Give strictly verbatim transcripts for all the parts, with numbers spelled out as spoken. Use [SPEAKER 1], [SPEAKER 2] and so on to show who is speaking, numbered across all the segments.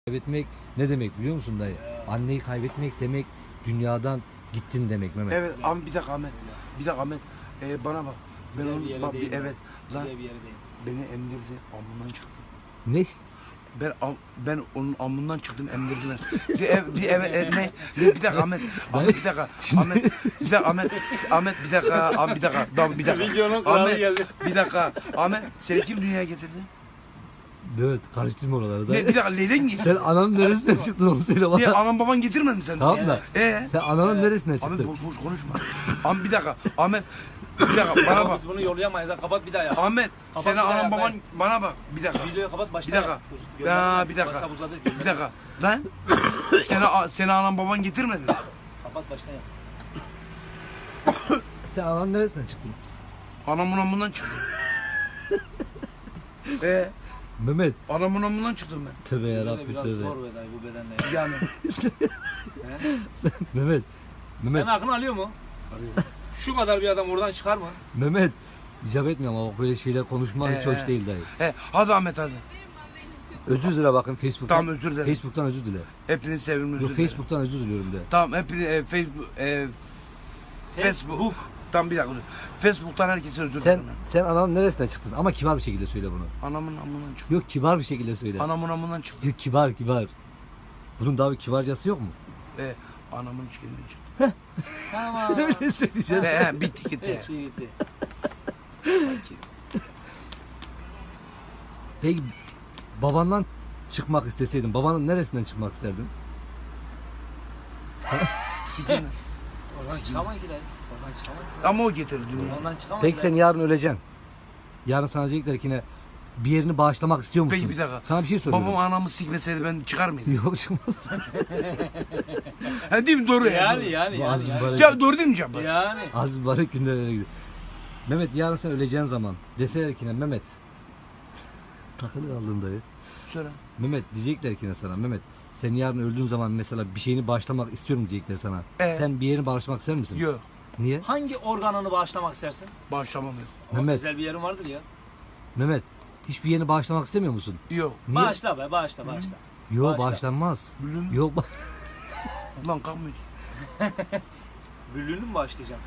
[SPEAKER 1] Kaybetmek ne demek biliyor musun dayı? Anneyi kaybetmek demek dünyadan gittin demek Mehmet.
[SPEAKER 2] Evet ama bir dakika Ahmet. Bir dakika Ahmet. Ee, bana bak. Ben
[SPEAKER 3] Güzel
[SPEAKER 2] onu
[SPEAKER 3] bir yere
[SPEAKER 2] bak, bir-
[SPEAKER 3] değil.
[SPEAKER 2] evet. Lan
[SPEAKER 3] Güzel bir yere değil.
[SPEAKER 2] beni emdirdi. Amından çıktım.
[SPEAKER 1] Ne?
[SPEAKER 2] Ben am- ben onun amından çıktım emdirdiler. Bir ev bir eve e, ne? Ne bir dakika Ahmet. Ahmet bir dakika. Ahmet bir dakika Ahmet. Ahmet bir dakika. Ahmet bir dakika. Tamam bir dakika.
[SPEAKER 3] Videonun kralı
[SPEAKER 2] Ahmet
[SPEAKER 3] geldi.
[SPEAKER 2] bir dakika. Ahmet seni kim dünyaya getirdi?
[SPEAKER 1] Evet, karıştırma oraları
[SPEAKER 2] Ne
[SPEAKER 1] dayı.
[SPEAKER 2] bir dakika Leyden getirdi.
[SPEAKER 1] Sen ananın neresinden çıktın onu söyle
[SPEAKER 2] Niye
[SPEAKER 1] bana.
[SPEAKER 2] anam baban getirmedi mi seni?
[SPEAKER 1] Tamam da
[SPEAKER 2] Ee?
[SPEAKER 1] sen ananın neresinden
[SPEAKER 2] Ahmet
[SPEAKER 1] çıktın?
[SPEAKER 2] boş boş konuşma. Ahmet bir dakika. Ahmet bir dakika bana
[SPEAKER 3] Ama
[SPEAKER 2] bak.
[SPEAKER 3] biz bunu yollayamayız. ha. Kapat bir daha ya.
[SPEAKER 2] Ahmet
[SPEAKER 3] Kapat
[SPEAKER 2] seni
[SPEAKER 3] bir daha
[SPEAKER 2] anam
[SPEAKER 3] ya,
[SPEAKER 2] baban
[SPEAKER 3] ben-
[SPEAKER 2] bana bak. Bir dakika.
[SPEAKER 3] Videoyu kapat başla.
[SPEAKER 2] Bir dakika.
[SPEAKER 3] Uz-
[SPEAKER 2] Ya,
[SPEAKER 3] gönderme.
[SPEAKER 2] bir dakika.
[SPEAKER 3] WhatsApp uzadı.
[SPEAKER 2] Bir dakika. Lan seni seni anam baban getirmedi mi?
[SPEAKER 3] Kapat başla ya.
[SPEAKER 1] Sen ananın neresinden çıktın?
[SPEAKER 2] Anamın amından çıktım. Ee,
[SPEAKER 1] Mehmet.
[SPEAKER 2] anamın amından çıktım ben.
[SPEAKER 1] Tövbe
[SPEAKER 3] Böyle
[SPEAKER 1] yarabbim
[SPEAKER 3] biraz
[SPEAKER 1] tövbe.
[SPEAKER 3] zor be dayı bu bedenle. ya.
[SPEAKER 2] Yani.
[SPEAKER 3] He?
[SPEAKER 1] Mehmet. Mehmet.
[SPEAKER 3] Senin aklın alıyor mu? Şu kadar bir adam oradan çıkar mı?
[SPEAKER 1] Mehmet. İcap etmiyorum ama bak böyle şeyler konuşman hiç
[SPEAKER 2] Ee.
[SPEAKER 1] hoş değil dayı.
[SPEAKER 2] He, hadi Ahmet hadi.
[SPEAKER 1] Özür dile bakın Facebook'tan.
[SPEAKER 2] Tamam özür dilerim.
[SPEAKER 1] Facebook'tan özür dile.
[SPEAKER 2] Hepiniz sevimli özür
[SPEAKER 1] Yok
[SPEAKER 2] dilerim.
[SPEAKER 1] Facebook'tan özür diliyorum de.
[SPEAKER 2] Tamam hepiniz e, Facebook e, Facebook. Tamam bir dakika dur. Facebook'tan herkese özür
[SPEAKER 1] Sen
[SPEAKER 2] dilerim.
[SPEAKER 1] sen ananın neresinden çıktın? Ama kibar bir şekilde söyle bunu.
[SPEAKER 2] Anamın amından çıktım.
[SPEAKER 1] Yok kibar bir şekilde söyle.
[SPEAKER 2] Anamın amından çıktım.
[SPEAKER 1] Yok kibar kibar. Bunun daha bir kibarcası yok mu?
[SPEAKER 2] E, anamın içkinden çıktım.
[SPEAKER 3] Tamam.
[SPEAKER 1] Öyle söyleyeceğim.
[SPEAKER 2] He, he, bitti gitti.
[SPEAKER 3] Evet, şey gitti.
[SPEAKER 2] Sanki.
[SPEAKER 1] Peki babandan çıkmak isteseydin, babanın neresinden çıkmak isterdin?
[SPEAKER 2] Sikinden.
[SPEAKER 3] Oradan çıkamayız ki dayı. Oradan çıkamayız ki.
[SPEAKER 2] Ama o getirdi dünyaya.
[SPEAKER 3] Oradan çıkamayız.
[SPEAKER 1] Peki sen yarın öleceksin. Yarın sana diyecekler ki ne? Bir yerini bağışlamak istiyor musun?
[SPEAKER 2] Peki bir dakika.
[SPEAKER 1] Sana bir şey soruyorum.
[SPEAKER 2] Babam anamı sikmeseydi ben çıkar mıydım?
[SPEAKER 1] Yok çıkmaz.
[SPEAKER 2] Ha değil mi? Doğru ya.
[SPEAKER 3] Yani
[SPEAKER 2] doğru.
[SPEAKER 3] yani
[SPEAKER 1] Bu
[SPEAKER 3] yani.
[SPEAKER 1] az
[SPEAKER 3] yani.
[SPEAKER 1] mübarek,
[SPEAKER 2] Ya doğru değil mi Cabbar?
[SPEAKER 3] Yani.
[SPEAKER 1] az mübarek günlere gidiyor. Mehmet yarın sen öleceğin zaman deseler ki ne Mehmet. Takılı kaldın dayı.
[SPEAKER 2] Söyle.
[SPEAKER 1] Mehmet diyecekler ki ne sana Mehmet. Sen yarın öldüğün zaman mesela bir şeyini bağışlamak istiyorum diyecekler sana.
[SPEAKER 2] Ee?
[SPEAKER 1] Sen bir yerini bağışlamak ister misin?
[SPEAKER 2] Yok.
[SPEAKER 1] Niye?
[SPEAKER 3] Hangi organını bağışlamak istersin?
[SPEAKER 2] Bağışlamam yok.
[SPEAKER 3] Ama
[SPEAKER 1] Mehmet.
[SPEAKER 3] Güzel bir yerin vardır ya.
[SPEAKER 1] Mehmet hiçbir yerini bağışlamak istemiyor musun?
[SPEAKER 2] Yok.
[SPEAKER 1] Niye?
[SPEAKER 3] Bağışla be bağışla bağışla.
[SPEAKER 1] Yok
[SPEAKER 3] Bağışla.
[SPEAKER 1] bağışlanmaz.
[SPEAKER 2] Bülüm.
[SPEAKER 1] Yok ba-
[SPEAKER 2] Lan kalkmıyor.
[SPEAKER 3] Büllüğünü mü bağışlayacağım?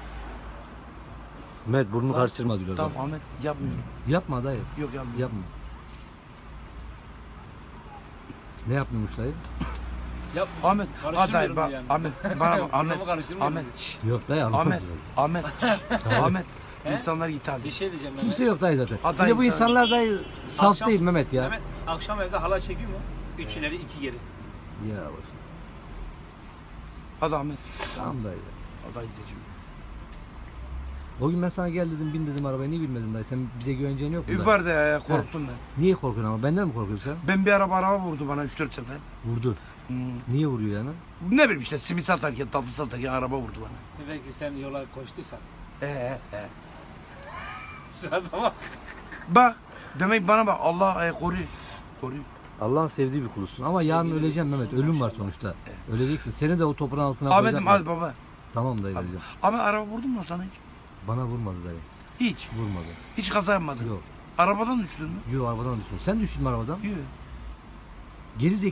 [SPEAKER 1] Mehmet burnunu karıştırma diyorlar.
[SPEAKER 2] Tamam
[SPEAKER 1] bana.
[SPEAKER 2] Ahmet yapmıyorum.
[SPEAKER 1] Yapma dayı.
[SPEAKER 2] Yok yapmıyorum.
[SPEAKER 1] Yapma. Ne yapmıyormuş dayı?
[SPEAKER 3] Yap.
[SPEAKER 2] Ahmet,
[SPEAKER 3] Karıştırmıyorum
[SPEAKER 2] hadi bak,
[SPEAKER 3] yani.
[SPEAKER 2] Ahmet, bana bak, Ahmet,
[SPEAKER 3] Buramı karıştırmıyorum.
[SPEAKER 2] Ahmet, şşş,
[SPEAKER 1] Yok dayı anlamaz.
[SPEAKER 2] Ahmet, Ahmet, şşş, Ahmet, insanlar git
[SPEAKER 3] Bir
[SPEAKER 2] hadi.
[SPEAKER 3] şey diyeceğim ben.
[SPEAKER 1] Kimse yok dayı zaten.
[SPEAKER 2] Aday
[SPEAKER 1] Bir de bu
[SPEAKER 2] insan-
[SPEAKER 1] insanlar dayı saf
[SPEAKER 3] Akşam-
[SPEAKER 1] değil Mehmet ya.
[SPEAKER 3] Mehmet akşam evde hala çekiyor mu? Üç ileri iki geri.
[SPEAKER 1] Ya bak.
[SPEAKER 2] Hadi Ahmet,
[SPEAKER 1] Tamam dayı.
[SPEAKER 2] hadi gideceğim.
[SPEAKER 1] O gün ben sana gel dedim bin dedim arabaya niye binmedin dayı? Sen bize güveneceğin yok mu? dayı?
[SPEAKER 2] Var da ya, korktum ben.
[SPEAKER 1] Niye korkuyorsun ama? Benden mi korkuyorsun sen?
[SPEAKER 2] Ben bir araba araba vurdu bana üç dört sefer.
[SPEAKER 1] Vurdu.
[SPEAKER 2] Hmm.
[SPEAKER 1] Niye vuruyor yani?
[SPEAKER 2] Ne bileyim işte simit satarken, tatlı satarken araba vurdu bana.
[SPEAKER 3] Belki sen yola koştuysan.
[SPEAKER 2] Ee, ee.
[SPEAKER 3] Sırada bak.
[SPEAKER 2] Bak, demek bana bak Allah e, koruyor. Koruyor.
[SPEAKER 1] Allah'ın sevdiği bir kulusun ama
[SPEAKER 3] Sevgili
[SPEAKER 1] yarın
[SPEAKER 3] bir
[SPEAKER 1] öleceksin Mehmet.
[SPEAKER 3] kulusun,
[SPEAKER 1] Ölüm var
[SPEAKER 3] maşallah.
[SPEAKER 1] sonuçta. Öleceksin. Seni de o toprağın altına
[SPEAKER 2] Ahmet'im
[SPEAKER 1] koyacaklar.
[SPEAKER 2] hadi baba.
[SPEAKER 1] Tamam dayı
[SPEAKER 2] Abi,
[SPEAKER 1] vereceğim.
[SPEAKER 2] Ahmet araba vurdun mu sana hiç?
[SPEAKER 1] Bana vurmadı dayı.
[SPEAKER 2] Hiç.
[SPEAKER 1] Vurmadı.
[SPEAKER 2] Hiç kaza yapmadın.
[SPEAKER 1] Yok.
[SPEAKER 2] Arabadan düştün mü?
[SPEAKER 1] Yok arabadan düştüm. Sen düştün mü arabadan?
[SPEAKER 2] Yok.
[SPEAKER 1] Geri